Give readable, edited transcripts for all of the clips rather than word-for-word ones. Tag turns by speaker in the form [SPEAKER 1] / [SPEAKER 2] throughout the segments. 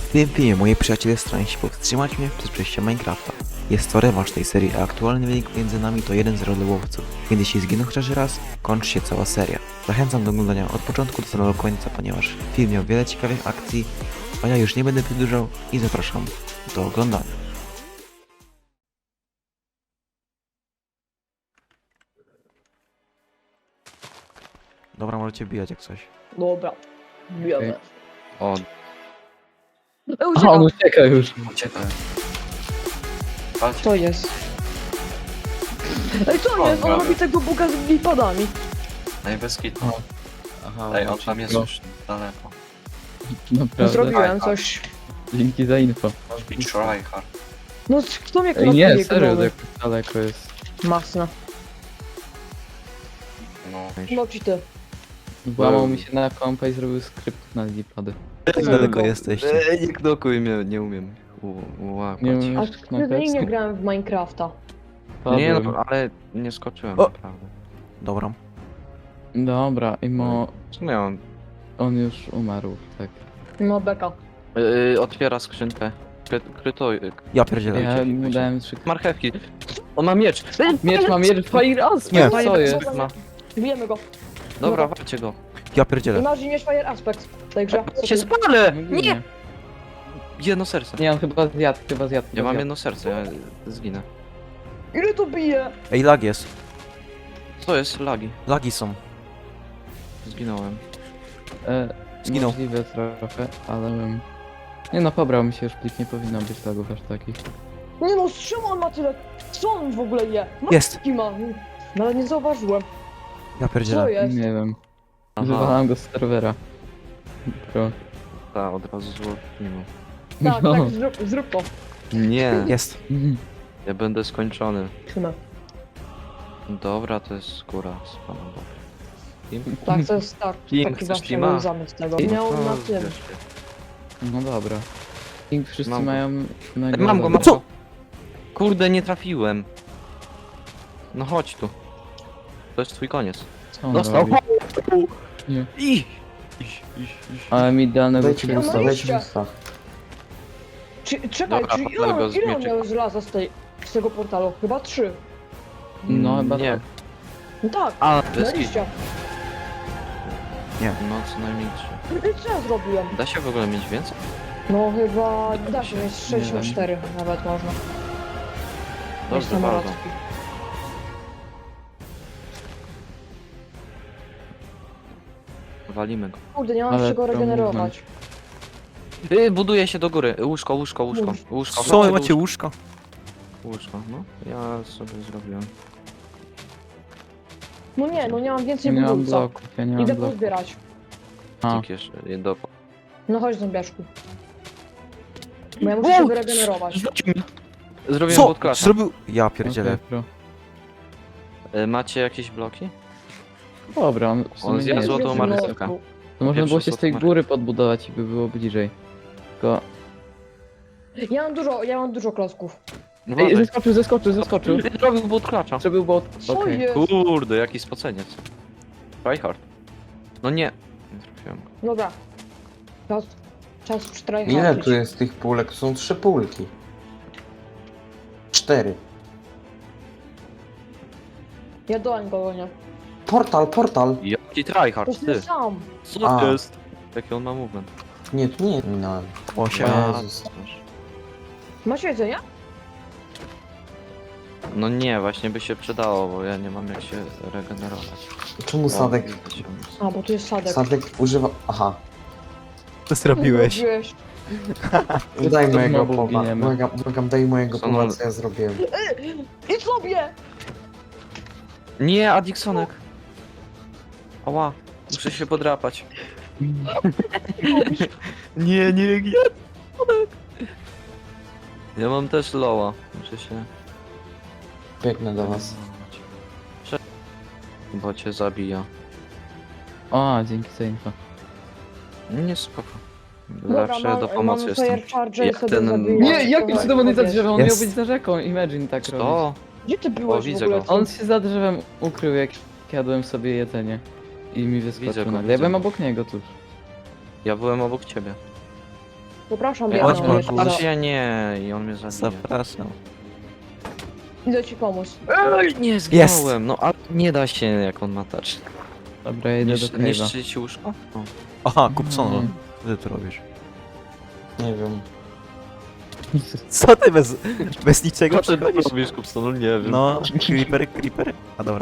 [SPEAKER 1] W tym filmie moi przyjaciele starają się powstrzymać mnie przed przejściem Minecrafta. Jest to rewanż tej serii, a aktualny wynik między nami to 1-0 dla łowców. Więc jeśli zginą chociaż raz, kończy się cała seria. Zachęcam do oglądania od początku do samego końca, ponieważ film miał wiele ciekawych akcji, a ja już nie będę przedłużał i zapraszam do oglądania. Dobra, możecie wbijać jak coś.
[SPEAKER 2] Dobra. Bijemy.
[SPEAKER 3] O,
[SPEAKER 2] Okay.
[SPEAKER 4] A, on ucieka już.
[SPEAKER 3] uciekaj. Patrz,
[SPEAKER 2] Co jest? Ej, co
[SPEAKER 3] O,
[SPEAKER 2] jest? On
[SPEAKER 3] prawie.
[SPEAKER 2] robi tego buga z glipadami.
[SPEAKER 3] najwyskit.
[SPEAKER 4] O. Aha,
[SPEAKER 3] Ej, on tam jest
[SPEAKER 4] no,
[SPEAKER 3] już daleko.
[SPEAKER 4] naprawdę.
[SPEAKER 2] Zrobiłem coś.
[SPEAKER 4] Dzięki za info.
[SPEAKER 3] I tryhard.
[SPEAKER 2] No, kto mnie
[SPEAKER 4] Ej, nie,
[SPEAKER 2] knokuje,
[SPEAKER 4] serio,
[SPEAKER 2] gnomy?
[SPEAKER 4] tak daleko jest.
[SPEAKER 2] Masno.
[SPEAKER 3] No.
[SPEAKER 2] No ci ty.
[SPEAKER 4] Włamał mi się na kompa i zrobił skrypt na lipady.
[SPEAKER 1] Daleko jesteście.
[SPEAKER 3] Nie knokuj mnie, nie umiem łapać.
[SPEAKER 4] Nie
[SPEAKER 2] A
[SPEAKER 4] umiesz
[SPEAKER 2] wtedy nie
[SPEAKER 4] knokać?
[SPEAKER 2] grałem w Minecrafta.
[SPEAKER 3] Nie, no, ale nie skoczyłem,
[SPEAKER 1] O!
[SPEAKER 3] naprawdę.
[SPEAKER 1] Dobra.
[SPEAKER 4] Dobra, i
[SPEAKER 3] W sumie
[SPEAKER 4] on już umarł, tak.
[SPEAKER 2] No beka.
[SPEAKER 3] otwiera skrzynkę. Krytuj.
[SPEAKER 1] Ja pierdzielę.
[SPEAKER 4] Ja mu dałem 3...
[SPEAKER 3] Marchewki. On ma miecz.
[SPEAKER 4] Miecz ma miecz, Fire Aspect,
[SPEAKER 1] Nie.
[SPEAKER 4] co jest?
[SPEAKER 3] Ma.
[SPEAKER 2] Bijemy go.
[SPEAKER 3] Dobra, walcie go.
[SPEAKER 1] Ja pierdzielę.
[SPEAKER 2] Imagine mieć Fire Aspect w tej grze.
[SPEAKER 3] Się spalę!
[SPEAKER 4] Nie.
[SPEAKER 3] Nie! Jedno serce.
[SPEAKER 4] Nie, on chyba zjadł,
[SPEAKER 3] Ja mam jedno serce, ja zginę.
[SPEAKER 2] Ile to bije?
[SPEAKER 1] Ej, lag jest.
[SPEAKER 3] Co jest? Lagi.
[SPEAKER 1] Lagi są.
[SPEAKER 3] Zginąłem.
[SPEAKER 1] Zginął.
[SPEAKER 4] Możliwe trochę, ale... Nie no, pobrał mi się już plik, nie powinno być lagów aż takich.
[SPEAKER 2] Nie no, z czym on ma tyle? Co on w ogóle je?
[SPEAKER 1] Jest.
[SPEAKER 2] Matki ma. No ale nie zauważyłem.
[SPEAKER 1] Ja
[SPEAKER 2] Co
[SPEAKER 1] pierdzielę.
[SPEAKER 2] jest?
[SPEAKER 4] Nie wiem.
[SPEAKER 3] Aha,
[SPEAKER 4] Wywalałem go z serwera. Pro.
[SPEAKER 3] ta, od razu zło nie ma.
[SPEAKER 2] Tak,
[SPEAKER 4] No.
[SPEAKER 2] tak, zrób to.
[SPEAKER 3] Nie,
[SPEAKER 1] Jest.
[SPEAKER 3] ja będę skończony.
[SPEAKER 2] Trzymaj.
[SPEAKER 3] Dobra, to jest skóra z panem Bogiem.
[SPEAKER 2] Tak, to jest tak.
[SPEAKER 3] King,
[SPEAKER 2] Taki
[SPEAKER 3] chcesz
[SPEAKER 2] właśnie
[SPEAKER 3] Tima?
[SPEAKER 2] był zamysł tego. Miał na tym.
[SPEAKER 4] No dobra. King wszyscy
[SPEAKER 3] Mam go.
[SPEAKER 4] mają...
[SPEAKER 3] Mam go, mam
[SPEAKER 1] Co?
[SPEAKER 3] go. Kurde, nie trafiłem. No chodź tu. To jest twój koniec.
[SPEAKER 4] Co on
[SPEAKER 3] Dostał.
[SPEAKER 4] robi? Nie.
[SPEAKER 3] I.
[SPEAKER 4] Ale mi idealnego
[SPEAKER 5] Dajcie mi
[SPEAKER 2] No
[SPEAKER 5] ustaw,
[SPEAKER 2] iście.
[SPEAKER 5] dajcie mi ustaw.
[SPEAKER 2] Czekaj,
[SPEAKER 3] Dobra,
[SPEAKER 2] czy
[SPEAKER 3] podlę go z
[SPEAKER 2] ile on
[SPEAKER 3] mieczyka.
[SPEAKER 2] miał żelaza z tego portalu? Chyba 3.
[SPEAKER 4] No chyba
[SPEAKER 3] Nie.
[SPEAKER 4] tak.
[SPEAKER 2] No tak,
[SPEAKER 3] A,
[SPEAKER 2] na
[SPEAKER 3] deski.
[SPEAKER 2] liścia.
[SPEAKER 3] No co najmniej 3.
[SPEAKER 2] I co ja zrobiłem?
[SPEAKER 3] Da się w ogóle mieć więcej?
[SPEAKER 2] No chyba da się mieć
[SPEAKER 4] Nie
[SPEAKER 2] 64 nawet można.
[SPEAKER 3] Dobrze,
[SPEAKER 2] Mieć
[SPEAKER 3] bardzo.
[SPEAKER 2] samolotki.
[SPEAKER 3] Walimy go.
[SPEAKER 2] Kurde, nie mam
[SPEAKER 4] Ale
[SPEAKER 2] czego
[SPEAKER 4] to
[SPEAKER 2] regenerować.
[SPEAKER 3] Buduje się do góry. Łóżko, łóżko, łóżko. Łóżko.
[SPEAKER 1] Co,
[SPEAKER 3] chodźcie,
[SPEAKER 1] macie łóżko?
[SPEAKER 3] Łóżko, no. Ja sobie zrobiłem.
[SPEAKER 2] No nie, no nie mam więcej
[SPEAKER 4] Nie mam
[SPEAKER 2] budulca.
[SPEAKER 4] bloków, ja nie mam
[SPEAKER 2] Idę
[SPEAKER 4] bloków.
[SPEAKER 2] pozbierać.
[SPEAKER 4] A,
[SPEAKER 3] Tyk jeszcze, do...
[SPEAKER 2] No chodź zombiaszku. Bo ja muszę się wyregenerować.
[SPEAKER 3] Zrobiłem
[SPEAKER 1] Co?
[SPEAKER 3] podklasa.
[SPEAKER 1] Zrobił... Ja pierdzielę.
[SPEAKER 4] okej, pro.
[SPEAKER 3] Macie jakieś bloki?
[SPEAKER 4] Dobra, on w
[SPEAKER 3] On
[SPEAKER 4] sumie
[SPEAKER 3] zjadł
[SPEAKER 4] nie
[SPEAKER 3] złotą
[SPEAKER 4] jest.
[SPEAKER 3] marchewkę.
[SPEAKER 4] To można było się z tej
[SPEAKER 3] Pierwszy
[SPEAKER 4] góry podbudować i by było bliżej. Tylko...
[SPEAKER 2] Ja mam dużo klocków.
[SPEAKER 4] Ej, zeskoczył!
[SPEAKER 3] Zrobił bot klacza.
[SPEAKER 4] Zrobił bot.
[SPEAKER 2] Co
[SPEAKER 4] Okej.
[SPEAKER 2] jest?
[SPEAKER 3] Kurde, jaki spoceniec. Tryhard. No nie. Nie trafiłem go.
[SPEAKER 2] Dobra. Czas
[SPEAKER 5] Ile
[SPEAKER 2] przytrajchować.
[SPEAKER 5] tu jest tych pólek? To są 3 pólki. 4.
[SPEAKER 2] Ja dołem go nie.
[SPEAKER 5] Portal!
[SPEAKER 3] Jaki
[SPEAKER 2] To
[SPEAKER 3] tryhard,
[SPEAKER 2] jest
[SPEAKER 3] ty.
[SPEAKER 2] ten sam.
[SPEAKER 3] Co
[SPEAKER 5] A.
[SPEAKER 3] to jest? Jaki on ma movement?
[SPEAKER 5] Nie, tu nie minąłem.
[SPEAKER 1] 8.
[SPEAKER 5] Jezus.
[SPEAKER 2] Masz jedzenie?
[SPEAKER 3] No nie, właśnie by się przydało, bo ja nie mam jak się regenerować.
[SPEAKER 5] Czemu Sadek?
[SPEAKER 3] O,
[SPEAKER 2] A, bo tu jest sadek.
[SPEAKER 5] Sadek używa... Aha.
[SPEAKER 1] Co zrobiłeś?
[SPEAKER 2] Zrobiłeś.
[SPEAKER 5] Daj
[SPEAKER 4] To
[SPEAKER 5] mojego
[SPEAKER 4] znowu
[SPEAKER 5] powa.
[SPEAKER 4] giniemy.
[SPEAKER 5] Błagam, daj mojego
[SPEAKER 3] Co
[SPEAKER 5] powa,
[SPEAKER 3] on-
[SPEAKER 5] co ja zrobiłem.
[SPEAKER 2] Idź sobie!
[SPEAKER 3] Nie, Addiksonek. Ała, muszę się podrapać. Nie, ja mam też loła. Muszę się...
[SPEAKER 5] Biegnę do was.
[SPEAKER 3] Bo cię zabija.
[SPEAKER 4] A, dzięki za info.
[SPEAKER 3] Nie, spoko.
[SPEAKER 2] Dobra,
[SPEAKER 3] Zawsze do pomocy
[SPEAKER 2] mam
[SPEAKER 3] jestem.
[SPEAKER 2] fire charge i
[SPEAKER 3] Jak
[SPEAKER 2] sobie
[SPEAKER 3] ten-
[SPEAKER 2] zabiję.
[SPEAKER 4] Nie, jakim cudem on jest za drzewem? On miał
[SPEAKER 1] Jest.
[SPEAKER 4] być za rzeką. Imagine tak robić.
[SPEAKER 3] Co?
[SPEAKER 2] Gdzie ty byłeś w
[SPEAKER 3] widzę
[SPEAKER 2] ogóle?
[SPEAKER 3] go.
[SPEAKER 4] On się za drzewem ukrył, jak jadłem sobie jedzenie. I mi
[SPEAKER 3] Widzę
[SPEAKER 4] wyskoczył
[SPEAKER 3] go,
[SPEAKER 4] nagle. Ja
[SPEAKER 3] widzę
[SPEAKER 4] byłem
[SPEAKER 3] go.
[SPEAKER 4] obok niego tuż.
[SPEAKER 3] Ja byłem obok ciebie.
[SPEAKER 2] Przepraszam,
[SPEAKER 3] Ej,
[SPEAKER 2] biedna,
[SPEAKER 1] chodź,
[SPEAKER 2] ale
[SPEAKER 1] chodź,
[SPEAKER 2] jeszcze
[SPEAKER 3] Patrz,
[SPEAKER 2] za-
[SPEAKER 3] ja nie, i on mnie zabije.
[SPEAKER 1] Zapraszam.
[SPEAKER 2] Idę ci pomóc.
[SPEAKER 3] Ej, nie zginąłem, no ale nie da się jak on ma touch.
[SPEAKER 4] Dobra, ja idę do cave'a.
[SPEAKER 3] Niszczyć łóżko? No.
[SPEAKER 1] Aha, Kupson,
[SPEAKER 4] Mm.
[SPEAKER 1] co ty tu robisz?
[SPEAKER 5] Nie wiem.
[SPEAKER 1] Co ty bez niczego
[SPEAKER 3] Co ty
[SPEAKER 1] przychodzisz?
[SPEAKER 3] robisz, Kupson? Nie wiem.
[SPEAKER 1] No, creeper. A dobra.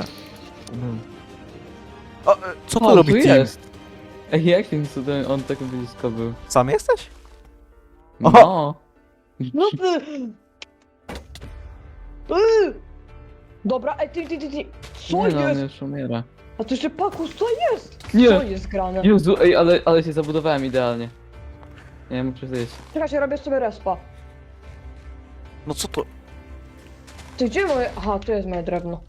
[SPEAKER 1] O, co tu
[SPEAKER 4] O,
[SPEAKER 1] robi
[SPEAKER 4] tu
[SPEAKER 1] team?
[SPEAKER 4] jest! Ej, jakim cudem on tak blisko był?
[SPEAKER 1] Sam jesteś? O!
[SPEAKER 4] No!
[SPEAKER 2] No ty! Dobra, ej, ty. Co
[SPEAKER 4] Nie no, on
[SPEAKER 2] jest?
[SPEAKER 4] już umiera.
[SPEAKER 2] A to jeszcze Pakus, co jest?
[SPEAKER 4] Nie.
[SPEAKER 2] Co jest grane?
[SPEAKER 4] Jezu, ej, ale się zabudowałem idealnie. Nie, muszę zjeść.
[SPEAKER 2] Czekajcie, robię sobie respa.
[SPEAKER 1] No co to?
[SPEAKER 2] Ty gdzie moje... Aha, tu jest moje drewno.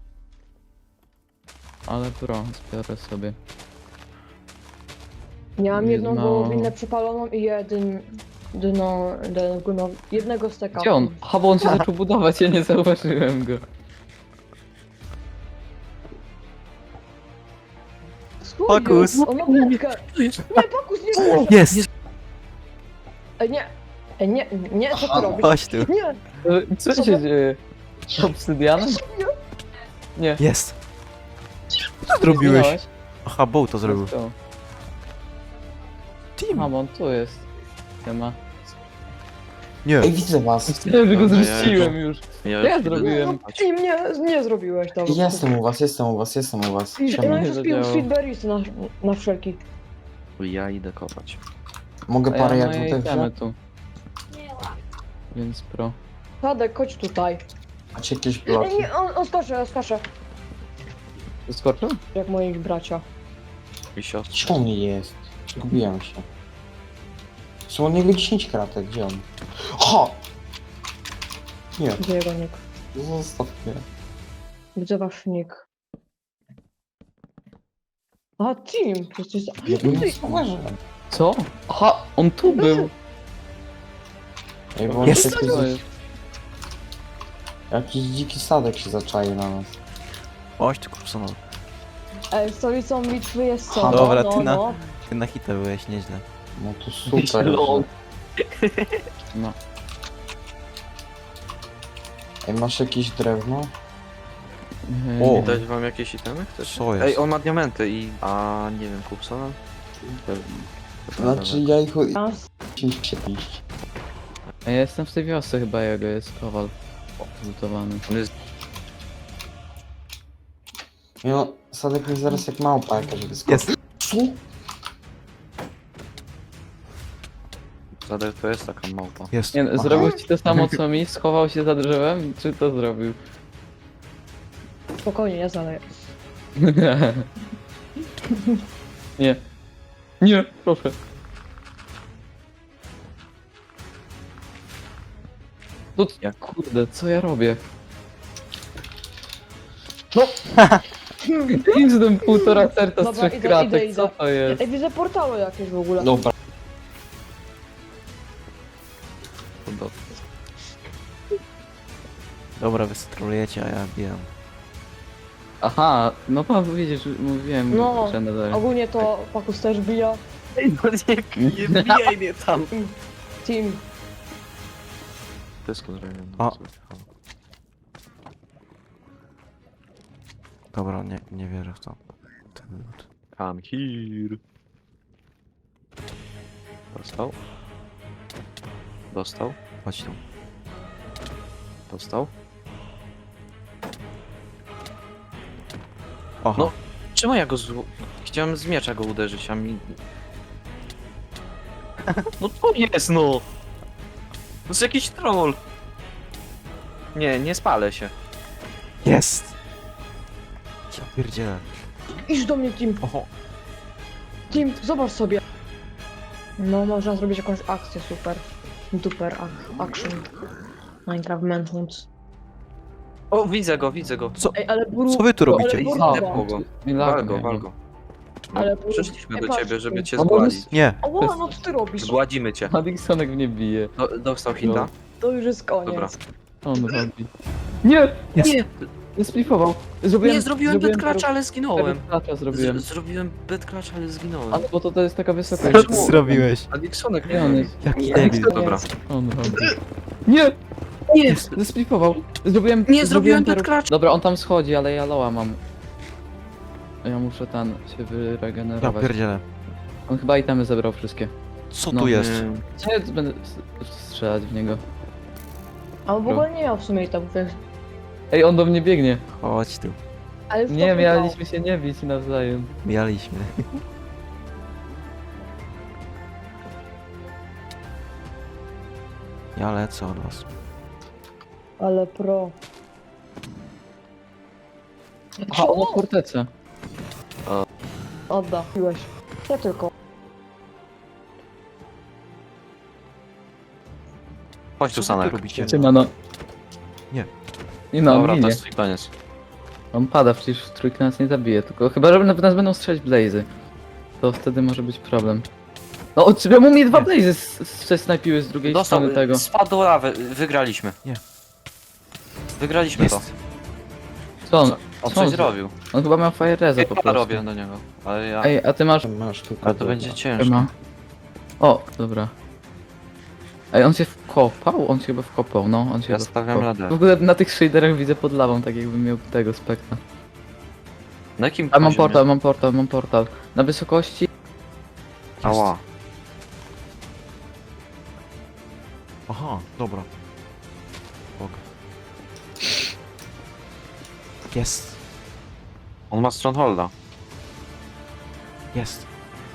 [SPEAKER 4] Ale pro, zbiorę sobie.
[SPEAKER 2] Miałam jedną
[SPEAKER 4] No.
[SPEAKER 2] wołowinę przepaloną i jednego steka.
[SPEAKER 4] Gdzie on? Aha, bo on się zaczął budować, ja nie zauważyłem go.
[SPEAKER 2] Co
[SPEAKER 1] Pakus.
[SPEAKER 2] jest? On ma wędkę. Nie, Pakus, nie.
[SPEAKER 1] Jest!
[SPEAKER 2] Ej, nie. Ej, nie, co ty robisz?
[SPEAKER 1] Chodź tu.
[SPEAKER 2] Nie,
[SPEAKER 4] Co
[SPEAKER 2] Co
[SPEAKER 4] się
[SPEAKER 2] to?
[SPEAKER 4] dzieje? Obsydianem? Nie.
[SPEAKER 1] Jest! Co ty zrobiłeś?
[SPEAKER 4] Zginąłeś?
[SPEAKER 1] Aha, Bow to zrobił.
[SPEAKER 4] Let's go.
[SPEAKER 1] Team!
[SPEAKER 4] A, bo on tu jest. Nie ma.
[SPEAKER 1] Nie.
[SPEAKER 5] Ej, widzę was.
[SPEAKER 4] Myślałem, że go
[SPEAKER 3] Dobra, ja
[SPEAKER 4] zrzuciłem już.
[SPEAKER 3] Ja
[SPEAKER 4] Ja
[SPEAKER 3] już idę
[SPEAKER 4] zrobiłem.
[SPEAKER 3] spać.
[SPEAKER 2] ty nie zrobiłeś tego.
[SPEAKER 5] Jestem u was.
[SPEAKER 2] I
[SPEAKER 5] Siema.
[SPEAKER 2] no
[SPEAKER 4] nie
[SPEAKER 2] jeszcze spił
[SPEAKER 4] zadziałało.
[SPEAKER 2] sweetberries na wszelki.
[SPEAKER 3] Ja idę kopać.
[SPEAKER 5] Mogę
[SPEAKER 4] A ja
[SPEAKER 5] parę
[SPEAKER 4] moje
[SPEAKER 5] jagód
[SPEAKER 4] itemy
[SPEAKER 5] wziąć?
[SPEAKER 4] tu. Więc pro.
[SPEAKER 2] Tadek, chodź tutaj.
[SPEAKER 5] Macie jakieś
[SPEAKER 2] Ej,
[SPEAKER 5] bloki?
[SPEAKER 2] nie, on skacze.
[SPEAKER 4] Skoczył?
[SPEAKER 2] Jak moi bracia.
[SPEAKER 3] I siostra.
[SPEAKER 5] Gdzie on jest? Zgubiłem się. Są od niego 10 kratek, gdzie on? Ha! Nie,
[SPEAKER 2] Gdzie jego nick?
[SPEAKER 5] zostaw mnie.
[SPEAKER 2] Widzę wasz nick. A, team! Przecież...
[SPEAKER 5] Ja bym nie
[SPEAKER 2] Ty-
[SPEAKER 5] zauważyłem.
[SPEAKER 4] Co? Aha, on tu był.
[SPEAKER 5] Ej, bo
[SPEAKER 1] Jest.
[SPEAKER 5] jakiś,
[SPEAKER 4] Co jest?
[SPEAKER 5] jakiś dziki sadek się zaczaił na nas.
[SPEAKER 1] Chodź tu, Kupson.
[SPEAKER 2] Ej, stolicą bitwy jest co?
[SPEAKER 1] Dobra,
[SPEAKER 2] no,
[SPEAKER 1] ty na-
[SPEAKER 2] no.
[SPEAKER 1] Ty na hita byłeś nieźle.
[SPEAKER 5] No to super.
[SPEAKER 3] Lol.
[SPEAKER 4] No.
[SPEAKER 5] Ej, masz jakieś drewno?
[SPEAKER 1] O.
[SPEAKER 4] Nie.
[SPEAKER 3] Dać wam jakieś itemy? Chcesz?
[SPEAKER 1] Co jest?
[SPEAKER 3] Ej, on ma diamenty i... A nie wiem, Kupsona?
[SPEAKER 5] Znaczy ja ich
[SPEAKER 2] A,
[SPEAKER 5] 10 się piść.
[SPEAKER 4] A ja jestem w tej wiosce chyba, jego jest kowal. Zlutowany.
[SPEAKER 3] On jest...
[SPEAKER 5] No, sadek mi zaraz jak małpa jakaś wyskoczy.
[SPEAKER 1] Jest!
[SPEAKER 5] Co?
[SPEAKER 3] Zadek to jest taka małpa.
[SPEAKER 1] Jest.
[SPEAKER 4] Nie,
[SPEAKER 5] Aha.
[SPEAKER 4] zrobił ci to samo co mi? Schował się za drzewem? Czy to zrobił?
[SPEAKER 2] spokojnie, ja zaleję.
[SPEAKER 4] Nie. Nie, proszę. No
[SPEAKER 3] Jak?
[SPEAKER 4] kurde, co ja robię? No! Idź z tym półtora serca z
[SPEAKER 2] Dobra,
[SPEAKER 4] 3
[SPEAKER 2] idę,
[SPEAKER 4] kratek,
[SPEAKER 2] idę.
[SPEAKER 4] co to jest?
[SPEAKER 2] Ej, widzę portały jakieś w ogóle.
[SPEAKER 5] Dobra.
[SPEAKER 1] Dobra, wy strolujecie, a ja bijam.
[SPEAKER 4] Aha, no pan widzisz, mówiłem,
[SPEAKER 2] No,
[SPEAKER 4] że nadal.
[SPEAKER 2] Ogólnie to Pakus też bija.
[SPEAKER 3] Ej, no nie wbijaj mnie tam!
[SPEAKER 2] Team.
[SPEAKER 3] Dysko zrobiłem.
[SPEAKER 1] O. Dobra, nie wierzę w to. Ten lód.
[SPEAKER 3] Come here. Dostał. Dostał.
[SPEAKER 1] Chodź tu.
[SPEAKER 3] Dostał.
[SPEAKER 1] Oho.
[SPEAKER 3] No. Czemu ja go Chciałem z miecza go uderzyć, a mi... No to jest no! To jest jakiś troll! Nie spalę się.
[SPEAKER 1] Jest! Ja pierdzielę.
[SPEAKER 2] Idź do mnie, Team.
[SPEAKER 1] Oho.
[SPEAKER 2] Team, zobacz sobie. No, można zrobić jakąś akcję super. Duper action. Minecraft Manhunt.
[SPEAKER 3] O, widzę go.
[SPEAKER 1] Co?
[SPEAKER 2] Ej, ale buru...
[SPEAKER 1] Co wy tu robicie?
[SPEAKER 2] Ale
[SPEAKER 3] Ej,
[SPEAKER 2] burba.
[SPEAKER 3] zdepnął go. Wal go. No,
[SPEAKER 2] Ale
[SPEAKER 3] przyszliśmy do
[SPEAKER 2] patrz,
[SPEAKER 3] ciebie, żeby cię
[SPEAKER 4] no bo
[SPEAKER 3] zgładzić.
[SPEAKER 1] Nie.
[SPEAKER 2] Ała, no co ty robisz?
[SPEAKER 3] Zgładzimy cię.
[SPEAKER 4] Madixonek mnie bije.
[SPEAKER 3] Dostał hita?
[SPEAKER 2] To już jest koniec.
[SPEAKER 3] Dobra.
[SPEAKER 4] Co on robi? Nie!
[SPEAKER 1] Jest.
[SPEAKER 4] Nie! Splifował. Zrobiłem,
[SPEAKER 3] Nie, zrobiłem bed clutch, ale zginąłem.
[SPEAKER 4] Klacza zrobiłem.
[SPEAKER 3] Zrobiłem bed clutch, ale zginąłem.
[SPEAKER 4] Ale bo to jest taka wysokość.
[SPEAKER 1] Co ty zrobiłeś?
[SPEAKER 3] A Dixonek
[SPEAKER 4] Nie, on jest.
[SPEAKER 1] Jaki
[SPEAKER 2] Nie,
[SPEAKER 1] debil.
[SPEAKER 3] Dobra.
[SPEAKER 4] On robi. Nie! Nie! Zesplifował. Zrobiłem.
[SPEAKER 3] Nie, zrobiłem
[SPEAKER 4] perł-
[SPEAKER 3] bed clutch.
[SPEAKER 4] Dobra, on tam schodzi, ale ja loa mam. Ja muszę się
[SPEAKER 1] Ja
[SPEAKER 4] wyregenerować.
[SPEAKER 1] pierdzielę.
[SPEAKER 4] On chyba itemy zebrał wszystkie.
[SPEAKER 1] Co
[SPEAKER 4] No,
[SPEAKER 1] tu jest?
[SPEAKER 4] Nie, będę strzelać w niego.
[SPEAKER 2] A on w ogóle nie miał w sumie tam, wiesz.
[SPEAKER 4] Ej, on do mnie biegnie.
[SPEAKER 1] Chodź tu.
[SPEAKER 2] Ale w
[SPEAKER 4] Nie,
[SPEAKER 2] to
[SPEAKER 4] mieliśmy się nie bić nawzajem.
[SPEAKER 1] Mieliśmy. Ja lecę od was.
[SPEAKER 2] Ale pro.
[SPEAKER 4] Aha, on ma fortecę.
[SPEAKER 2] Odda. Piłeś. Ja tylko.
[SPEAKER 3] Chodź tu,
[SPEAKER 1] Co wy
[SPEAKER 3] Sanek.
[SPEAKER 1] robicie?
[SPEAKER 4] Cię no.
[SPEAKER 1] Nie.
[SPEAKER 4] Nie no, on
[SPEAKER 3] Dobra, to
[SPEAKER 4] ginie.
[SPEAKER 3] jest twój koniec.
[SPEAKER 4] On pada, przecież w trójkę nas nie zabije, tylko chyba, że nas będą strzelać blazy. To wtedy może być problem. No, czemu mnie dwa
[SPEAKER 1] Nie.
[SPEAKER 4] blazy snajpiły z drugiej
[SPEAKER 3] Dostał,
[SPEAKER 4] strony tego?
[SPEAKER 3] spadł do lawy, wygraliśmy.
[SPEAKER 1] Nie.
[SPEAKER 3] Wygraliśmy to.
[SPEAKER 1] Jest.
[SPEAKER 4] Co on?
[SPEAKER 3] On
[SPEAKER 4] Co
[SPEAKER 3] coś
[SPEAKER 4] on
[SPEAKER 3] zrobił.
[SPEAKER 4] On chyba miał fire reza po
[SPEAKER 3] Ja
[SPEAKER 4] prostu.
[SPEAKER 3] robię do niego, ale ja...
[SPEAKER 4] Ej, a ty masz...
[SPEAKER 5] Masz tu
[SPEAKER 3] Ale to będzie ciężko.
[SPEAKER 4] Ma. O, dobra. Ej, on się wkopał? On się chyba wkopał, no, on się
[SPEAKER 3] Ja
[SPEAKER 4] chyba
[SPEAKER 3] stawiam
[SPEAKER 4] wkopał.
[SPEAKER 3] radę.
[SPEAKER 4] W ogóle na tych shaderach widzę pod lawą, tak jakbym miał tego spektra.
[SPEAKER 3] Na jakim
[SPEAKER 4] A mam
[SPEAKER 3] poziomie?
[SPEAKER 4] portal, mam portal, mam portal. Na wysokości...
[SPEAKER 3] Ała.
[SPEAKER 1] Aha, dobra. Bog. Jest.
[SPEAKER 3] On ma strongholda.
[SPEAKER 1] Jest.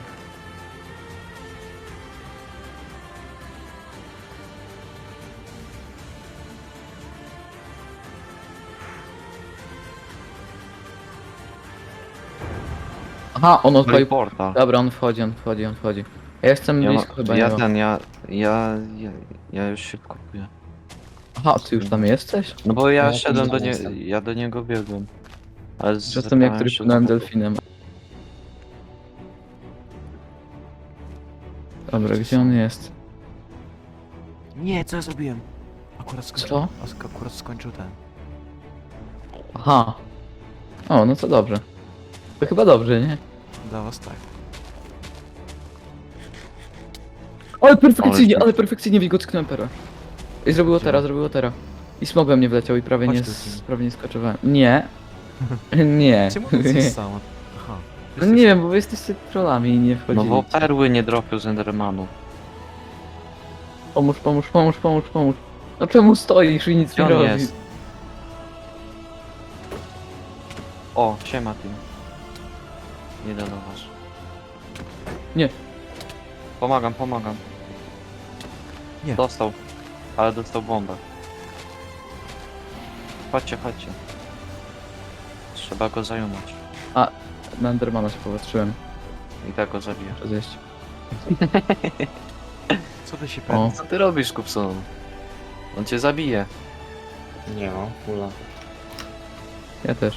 [SPEAKER 4] Aha, on
[SPEAKER 3] No i
[SPEAKER 4] odpalił...
[SPEAKER 3] portal.
[SPEAKER 4] Dobra, on wchodzi, on wchodzi, on wchodzi. A ja chcę
[SPEAKER 3] Ja,
[SPEAKER 4] blisko chyba
[SPEAKER 3] ja
[SPEAKER 4] niego.
[SPEAKER 3] ten, ja już się kupuję.
[SPEAKER 4] Aha, ty już tam jesteś?
[SPEAKER 3] No bo ja
[SPEAKER 5] Ja
[SPEAKER 3] szedłem
[SPEAKER 5] tam
[SPEAKER 3] do niego,
[SPEAKER 5] jestem.
[SPEAKER 3] ja do niego biegłem. Ale
[SPEAKER 4] Jestem jak który płynąłem delfinem. Dobra, gdzie on jest?
[SPEAKER 1] Nie, co ja zrobiłem? Akurat skończył.
[SPEAKER 4] Co?
[SPEAKER 1] Akurat skończył ten.
[SPEAKER 4] Aha. O, no to dobrze. To chyba dobrze, nie?
[SPEAKER 1] Dla was tak.
[SPEAKER 4] Ale perfekcyjnie wilgocknąłem perę. I zrobiło teraz. I smogłem nie wleciał i prawie
[SPEAKER 1] Chodź
[SPEAKER 4] nie,
[SPEAKER 1] tu, Tim.
[SPEAKER 4] prawie nie skoczowałem. Nie. Nie.
[SPEAKER 1] Czemu to jest samo? Aha.
[SPEAKER 4] No nie wiem, bo wy jesteście trollami i nie
[SPEAKER 3] No
[SPEAKER 4] wchodzili.
[SPEAKER 3] bo perły nie dropił z Endermanu.
[SPEAKER 4] Pomóż. No czemu stoisz i nic
[SPEAKER 3] Gdzie
[SPEAKER 4] nie
[SPEAKER 3] on
[SPEAKER 4] robisz?
[SPEAKER 3] jest? O, siema Tim. Nie do was.
[SPEAKER 4] Nie.
[SPEAKER 3] Pomagam.
[SPEAKER 1] Nie.
[SPEAKER 3] Dostał. Ale dostał bombę. Chodźcie. Trzeba go zajumać.
[SPEAKER 4] Na Endermana się popatrzyłem.
[SPEAKER 3] I tak go zabiję.
[SPEAKER 4] Muszę zjeść.
[SPEAKER 1] Co ty się
[SPEAKER 4] O.
[SPEAKER 1] pewnie?
[SPEAKER 3] Co ty robisz, Kupson? On cię zabije.
[SPEAKER 5] Nie no, kula.
[SPEAKER 4] Ja też.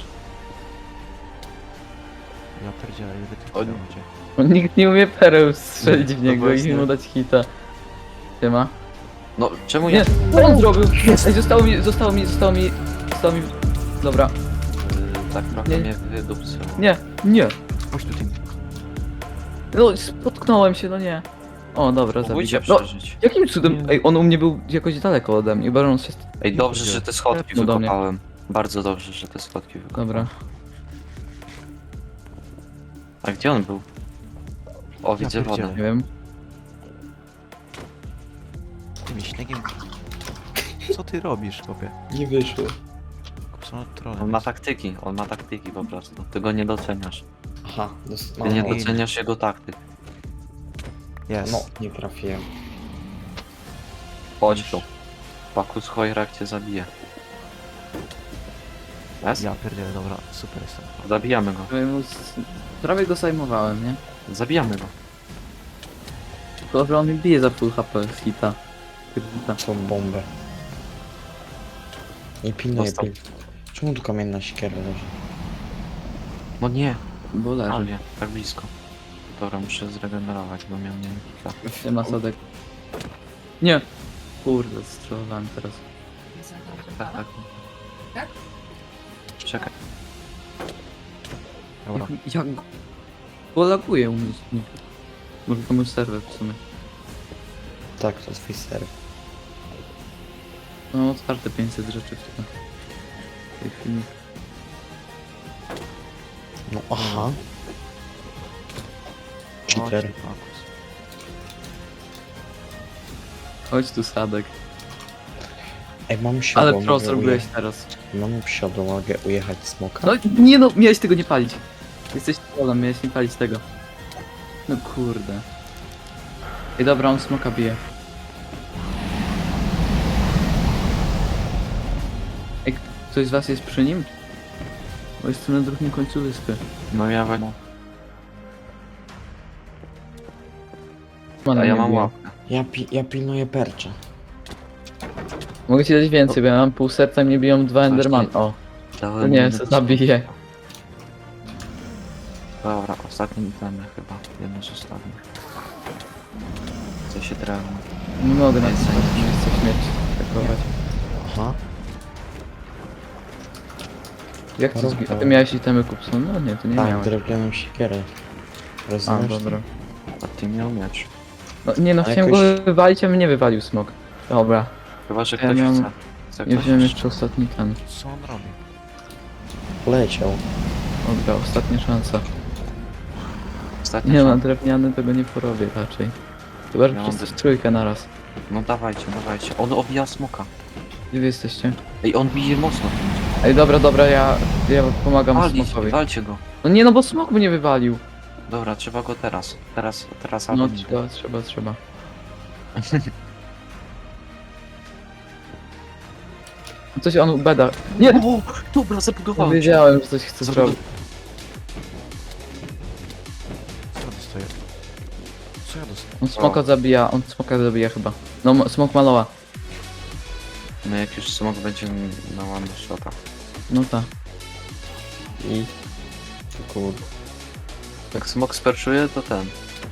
[SPEAKER 1] Ja pierdzielę, ile ty
[SPEAKER 3] O,
[SPEAKER 1] tu
[SPEAKER 3] nie.
[SPEAKER 1] macie.
[SPEAKER 4] Nikt nie umie pereł strzelić w
[SPEAKER 3] No
[SPEAKER 4] niego i
[SPEAKER 3] właśnie.
[SPEAKER 4] mu dać hita. Siema.
[SPEAKER 3] No, czemu
[SPEAKER 4] Nie,
[SPEAKER 3] ja...
[SPEAKER 4] co on zrobił? Ej, zostało mi. Dobra.
[SPEAKER 3] Tak trochę
[SPEAKER 4] Nie.
[SPEAKER 3] mnie wydupcyło.
[SPEAKER 4] Nie.
[SPEAKER 1] Chodź tu, Tim.
[SPEAKER 4] No, spotknąłem się, no nie. O, dobra,
[SPEAKER 3] Próbujcie
[SPEAKER 4] zabiję. No,
[SPEAKER 3] przeżyć.
[SPEAKER 4] jakim cudem? Ej, on u mnie był jakoś daleko ode mnie, bo on się...
[SPEAKER 3] Ej, dobrze, że te schodki
[SPEAKER 4] No do mnie.
[SPEAKER 3] wykopałem. Bardzo dobrze, że te schodki wykopałem.
[SPEAKER 4] Dobra.
[SPEAKER 3] A gdzie on był? O, widzę
[SPEAKER 1] pierdzielę.
[SPEAKER 3] wodę.
[SPEAKER 4] Nie wiem.
[SPEAKER 1] Tym śniegiem. Co ty robisz, chłopie?
[SPEAKER 5] Nie wyszło.
[SPEAKER 1] Kupson od trolla.
[SPEAKER 3] On ma taktyki po prostu. Ty go nie doceniasz.
[SPEAKER 5] Aha,
[SPEAKER 3] Ty nie
[SPEAKER 1] no.
[SPEAKER 3] doceniasz jego taktyk.
[SPEAKER 1] Jest.
[SPEAKER 5] No, nie trafiłem.
[SPEAKER 3] Chodź tu. Pakus Hojrak cię zabije. Jest?
[SPEAKER 1] Ja pierdzielę, dobra, super jestem.
[SPEAKER 3] Zabijamy go.
[SPEAKER 4] Prawie go zajmowałem, nie?
[SPEAKER 3] Zabijamy go.
[SPEAKER 4] Tylko, że on mi bije za full HP z hita.
[SPEAKER 5] Tą bombę. Nie pilnuję,
[SPEAKER 3] Dostał.
[SPEAKER 5] Czemu tu kamienna siekiera leży?
[SPEAKER 3] No nie,
[SPEAKER 4] Bo leży.
[SPEAKER 3] ale tak blisko. Dobra, muszę zregenerować, bo miałem nie hita.
[SPEAKER 4] Nie ma sadek. Nie. Kurde, strzelowałem teraz.
[SPEAKER 3] Tak. czekaj.
[SPEAKER 1] Dobra.
[SPEAKER 4] Jak go laguje u mnie. Może to mój serwer w sumie.
[SPEAKER 5] Tak, to twój serw.
[SPEAKER 4] No otwarte 500 rzeczy w tej chwili.
[SPEAKER 5] No aha. Cheater.
[SPEAKER 4] Chodź tu Sadek.
[SPEAKER 5] Ej, mam siodło,
[SPEAKER 4] Ale pro
[SPEAKER 5] mogę
[SPEAKER 4] zrobiłeś
[SPEAKER 5] ujechać.
[SPEAKER 4] teraz.
[SPEAKER 5] Mam siodło, mogę ujechać smoka?
[SPEAKER 4] No nie no, miałeś tego nie palić. Jesteś trolem, miałeś nie palić tego. No kurde. Ej dobra, on smoka bije. Ej, ktoś z was jest przy nim? Bo jestem na drugim końcu wyspy.
[SPEAKER 3] No ja we...
[SPEAKER 4] Man
[SPEAKER 3] A ja
[SPEAKER 4] mnie
[SPEAKER 3] mam
[SPEAKER 4] bije.
[SPEAKER 3] łapkę.
[SPEAKER 5] Ja pilnuję percza.
[SPEAKER 4] Mogę ci dać więcej, bo ja mam pół serca i mnie biją 2 Enderman. O, to
[SPEAKER 3] Dałem
[SPEAKER 4] nie,
[SPEAKER 3] jedno-
[SPEAKER 4] co zabiję.
[SPEAKER 3] Dobra, ostatni itemy chyba. Jedno z ostatnich. Co się drewno.
[SPEAKER 4] Nie mogę na
[SPEAKER 3] Jest
[SPEAKER 4] tym
[SPEAKER 3] zajęcie.
[SPEAKER 4] miejscu śmierć atakować.
[SPEAKER 5] Aha.
[SPEAKER 4] Jak to zbi... A ty miałeś itemy Kupson? No nie, to nie
[SPEAKER 5] Tak,
[SPEAKER 4] miałeś.
[SPEAKER 5] drewnianą siekierę.
[SPEAKER 4] A,
[SPEAKER 5] Rozumiesz?
[SPEAKER 4] dobra.
[SPEAKER 3] A ty miał miecz.
[SPEAKER 4] No nie no,
[SPEAKER 5] Ale
[SPEAKER 4] chciałem
[SPEAKER 5] jakoś-
[SPEAKER 4] go wywalić, a mnie wywalił smok. Dobra,
[SPEAKER 3] Chyba, że
[SPEAKER 4] Ja
[SPEAKER 3] ktoś
[SPEAKER 4] miałem-
[SPEAKER 3] chce. Chce
[SPEAKER 4] nie
[SPEAKER 3] ktoś
[SPEAKER 4] wziąłem
[SPEAKER 3] jeszcze?
[SPEAKER 4] jeszcze ostatni ten.
[SPEAKER 1] Co on robi?
[SPEAKER 5] Poleciał.
[SPEAKER 4] Dobra, ostatnia szansa.
[SPEAKER 3] Ostatnia
[SPEAKER 4] Nie no,
[SPEAKER 3] szansa.
[SPEAKER 4] drewniany tego nie porobię raczej. Chyba, że
[SPEAKER 3] Ja mam
[SPEAKER 4] wszyscy w
[SPEAKER 3] też-
[SPEAKER 4] trójkę naraz.
[SPEAKER 3] No dawajcie, dawajcie. On obija smoka.
[SPEAKER 4] Gdzie wy jesteście?
[SPEAKER 3] Ej, on bije mocno.
[SPEAKER 4] Ej, dobra, ja pomagam
[SPEAKER 3] Walcie,
[SPEAKER 4] smokowi.
[SPEAKER 3] walcie go.
[SPEAKER 4] No nie no, bo smok mnie wywalił.
[SPEAKER 3] Dobra, trzeba go teraz. Teraz
[SPEAKER 4] No
[SPEAKER 3] albo nigdy.
[SPEAKER 4] trzeba. Coś on beda. Nie!
[SPEAKER 3] O, dobra,
[SPEAKER 4] No,
[SPEAKER 3] zabudowałem się.
[SPEAKER 4] wiedziałem, że coś chce zrobić.
[SPEAKER 1] Co ja dostaję? Co ja dostaję?
[SPEAKER 4] On smoka zabija chyba. No, smok maloła.
[SPEAKER 3] No jak już smok będzie na one shota.
[SPEAKER 4] No ta.
[SPEAKER 5] I... Kurde.
[SPEAKER 3] Jak smok sperczuje, to ten.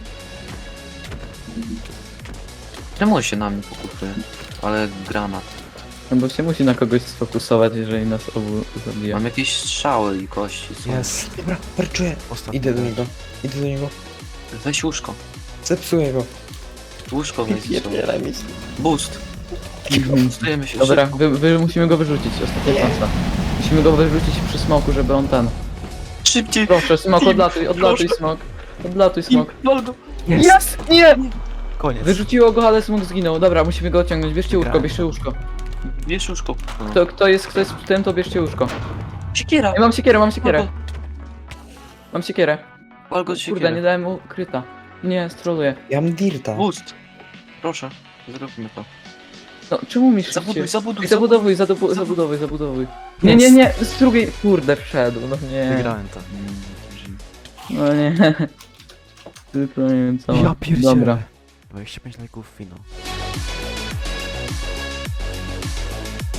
[SPEAKER 3] Czemu on się na mnie pokutuje? Ale granat.
[SPEAKER 4] No bo się musi na kogoś sfokusować, jeżeli nas obu zabija.
[SPEAKER 3] Mam jakieś strzały i kości. Są.
[SPEAKER 1] Jest.
[SPEAKER 5] Dobra, perczuję.
[SPEAKER 1] Ostatni.
[SPEAKER 5] Idę do niego. Idę do niego.
[SPEAKER 3] Weź łóżko.
[SPEAKER 5] Zepsuję go.
[SPEAKER 3] Łóżko weź.
[SPEAKER 5] Pierdzielaj mi.
[SPEAKER 3] Boost. Stajemy się
[SPEAKER 4] Dobra,
[SPEAKER 3] szybko.
[SPEAKER 4] musimy go wyrzucić, ostatnia szansa. Musimy go wyrzucić przy smoku, żeby on ten...
[SPEAKER 3] Szybciej!
[SPEAKER 4] Proszę, smok,
[SPEAKER 3] Team,
[SPEAKER 4] odlatuj
[SPEAKER 3] proszę.
[SPEAKER 4] smok. Odlatuj smok.
[SPEAKER 3] Waldo!
[SPEAKER 4] Jest! Nie!
[SPEAKER 1] Koniec.
[SPEAKER 4] Wyrzuciło go, ale smok zginął. Dobra, musimy go odciągnąć. Bierzcie łóżko,
[SPEAKER 1] Wygrałem.
[SPEAKER 4] bierzcie łóżko.
[SPEAKER 3] Bierz łóżko.
[SPEAKER 4] Kto jest w tym, to bierzcie łóżko.
[SPEAKER 3] Siekiera!
[SPEAKER 4] Ej, mam siekierę. Mam siekierę.
[SPEAKER 3] Walgo
[SPEAKER 4] Kurde,
[SPEAKER 3] siekierę.
[SPEAKER 4] nie dałem mu kryta. Nie, stroluję.
[SPEAKER 5] Ja mam dirta.
[SPEAKER 3] Boost! Proszę, zróbmy to.
[SPEAKER 4] No, czemu mi szybciej?
[SPEAKER 3] Zabudujmy.
[SPEAKER 4] Zabudowuj. Nie, z drugiej... Kurde, wszedł, no nie.
[SPEAKER 1] Wygrałem to.
[SPEAKER 4] No nie. Tylko nie wiem co.
[SPEAKER 1] Ja pierdzielę.
[SPEAKER 4] Dobra.
[SPEAKER 1] 25 lajków finał.